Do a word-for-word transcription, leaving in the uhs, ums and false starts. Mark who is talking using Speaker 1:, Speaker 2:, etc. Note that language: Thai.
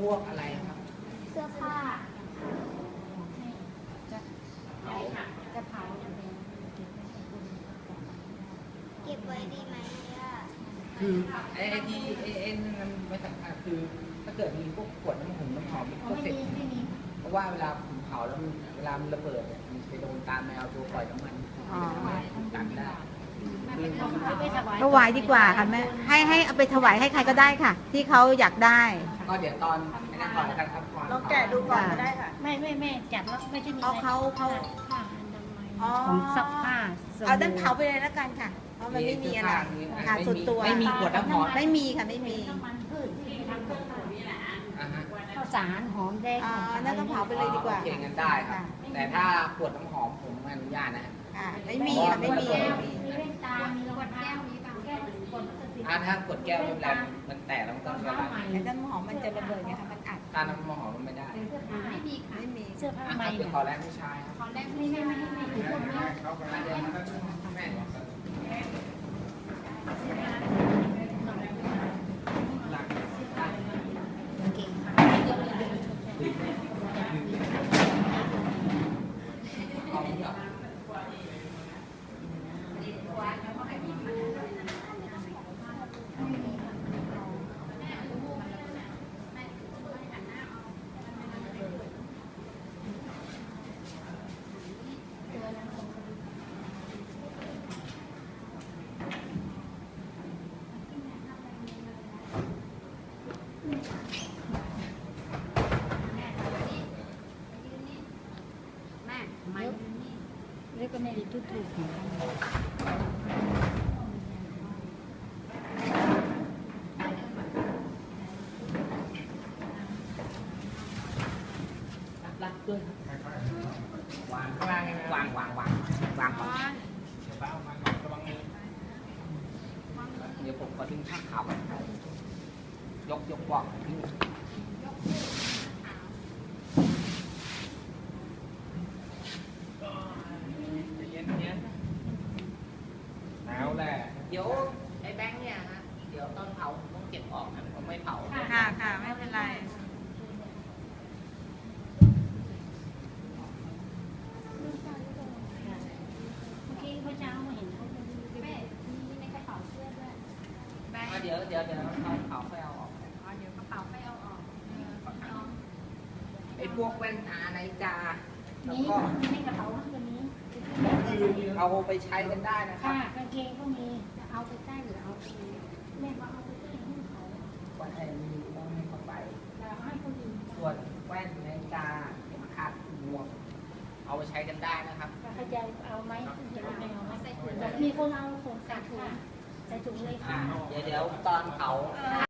Speaker 1: วกอะไรครับ
Speaker 2: เสื้อผ้า
Speaker 3: จะจะเผา
Speaker 2: เก็บไว้ดีไหมอ่ะ
Speaker 1: คือไอ้ที่ไอ้ไอ้นั่นไม่สำคัญคือถ้าเกิดมีพวกขวดน้ำหอมน้ำหอมพวกเสร็จเพราะว่าเวลาผมเผาแล้วมันเวลามันระเบิดเนี่ยมันไปโดนตามแมวตัวปล่อยน้ำมันตัดได้
Speaker 4: ถวายดีกว่าค่ะแม่ให้ให้เอาไปถวายให้ใครก็ได้ค่ะ ที่เขาอยากได้
Speaker 1: ก็เดี๋ยวตอนไอ้นั่นก่อนแล้วกันครับก่อน
Speaker 4: ลองแกะดูก่อนก็ได้ค่ะ
Speaker 3: ไม่ไม่ไม่จับแล้วไม่ใช่มี
Speaker 4: เอาเขาเขา
Speaker 3: ผ้าอนามัย
Speaker 4: อ๋อ
Speaker 3: ผมซักผ้าสบู่
Speaker 4: เอาด้านเผาไปเลยแล้วกันค่ะเพราะมันไม่มีอะไรค่ะส่วนตัว
Speaker 1: ไม่มีขวดน้ำหอม
Speaker 4: ไม่มีค่ะไม่มี
Speaker 3: น้ำมันพืชที่ทำกับข้าวนี่แหละ
Speaker 1: อ่าฮะ
Speaker 3: ข้าวสารหอมแดง
Speaker 4: อ๋อนั่นก็เผาไปเลยดีกว่า
Speaker 1: โอเคงั้นได้ครับ แต่ถ้าขวดน้ำหอมผมไม่อนุญาตนะ
Speaker 4: ค่ะไม่มีค่ะไม่มีไม่มี
Speaker 3: มีแว่นตา มีขวดแก้ว มีบางแก้วขวดพลาสติก
Speaker 1: อ่าถ้ากดแก้วไม่เป็นไรมันแตกแล้วมันต้องระบาย
Speaker 4: แต่น้ำหอมมันจะระเบิดไงคะมันอัด
Speaker 1: ถ้าน้ำหอมมันไม่ได้
Speaker 3: เสื้อผ้าไม่มีค่ะ
Speaker 4: ไม่มี
Speaker 3: เสื้อผ้า
Speaker 1: อ่ะ
Speaker 3: ใหม่
Speaker 1: เดี๋ยว
Speaker 3: เนี่ย
Speaker 1: ขอแรกผู้ชายครับ
Speaker 3: ขอแรกไม่ไม่ไม่ไม่ไม่ไม่ไม่
Speaker 1: แม่
Speaker 3: เก่ง
Speaker 1: เอาเดี๋ยว
Speaker 3: แม่ไม่เรียกก็ไม่ได้ทุกถูกของกัน
Speaker 1: รัดด้วยวางข้างล่างวางวางวางวางก่อนเดี๋ยวผมก็ทิ้งผ้าขาวก่อนยกยกบอกทิ้งเย็นเย็นหนาวแหละเดี๋ยวไอ้แบงค์เนี่ยฮะเดี๋ยวตอนเผาผมต้องเก็บออกนะผมไม่เผา
Speaker 4: ค่ะค่ะไม่เป็นไร
Speaker 3: เมื่อกี้เมื่อเช้ามาเห็นเขา
Speaker 2: แม่มีในกระเป๋าเสื้อด้วย
Speaker 1: อ่ะเดี๋ยวเดี๋ยวเดี๋ยวเอาเผาไปเอาออก
Speaker 2: อ๋อเดี๋ยวกระเป๋าไปเอาออกน้อง
Speaker 1: ไอ้พวกแว่นตาในจาแล้ว
Speaker 3: นี้
Speaker 1: ก็
Speaker 3: มีในกระเป๋าตัวนี้
Speaker 1: เอาไปใช้กันได้นะครั
Speaker 3: ค่ะ
Speaker 1: บ
Speaker 3: กางเกงก็มีจะเอาไปใต้หรือเอาไปแม่ว่าเอาไปใต้ให้เขา
Speaker 1: วันไหนมีต้องให้เขาไป
Speaker 3: แต่ให้คนอื่น
Speaker 1: ส่วนแว่นในจาเข็มขัดหมวกเอาไปใช้กันได้นะครับ
Speaker 3: เขาจะเอาไหมจะเอาไหมเอาไหมใส่ถุงมีคนเอาถุงใส่ถุงใส่ถุงเลยค่ะ
Speaker 1: เดี๋ยวเดี๋ยวตอนเผา